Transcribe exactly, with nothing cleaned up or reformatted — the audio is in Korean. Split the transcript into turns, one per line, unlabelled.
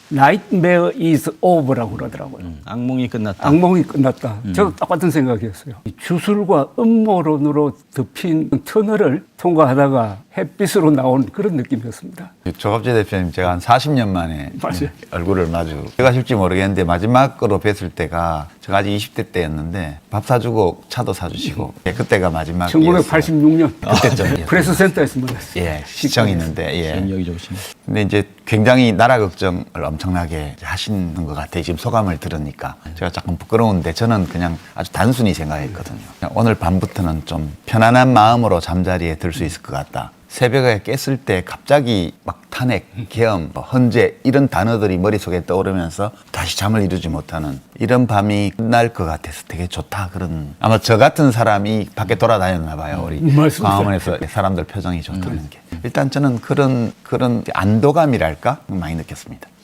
Nightmare is over라고 그러더라고요.
음, 악몽이 끝났다.
악몽이 끝났다. 저도 똑같은 생각이었어요. 이 주술과 음모론으로 덮인 터널을 통과하다가 햇빛으로 나온 그런 느낌이었습니다.
조갑재 대표님 제가 한 사십 년 만에
맞아요.
얼굴을 마주 제가 실지 모르겠는데 마지막으로 뵀을 때가 제가 아직 이십 대 때였는데 밥 사주고 차도 사주시고 예, 그때가 마지막이었어요.
천구백팔십육 년
그때죠.
프레스 센터에서 만났어요.
예, 시청 있는데 예.
기억력이 좋으시네.
근데 이제 굉장히 나라 걱정을 엄청나게 하시는 것 같아요. 지금 소감을 들으니까 제가 조금 부끄러운데 저는 그냥 아주 단순히 생각했거든요. 그냥 오늘 밤부터는 좀 편안한 마음으로 잠자리에 들 수 있을 것 같다. 새벽에 깼을 때 갑자기 막 탄핵, 계엄, 뭐 헌재 이런 단어들이 머릿속에 떠오르면서 다시 잠을 이루지 못하는 이런 밤이 끝날 것 같아서 되게 좋다. 그런 아마 저 같은 사람이 밖에 돌아다녔나 봐요. 우리
맞습니다.
광화문에서 사람들 표정이 좋다는 게 일단 저는 그런 그런 안도감이랄까 많이 느꼈습니다.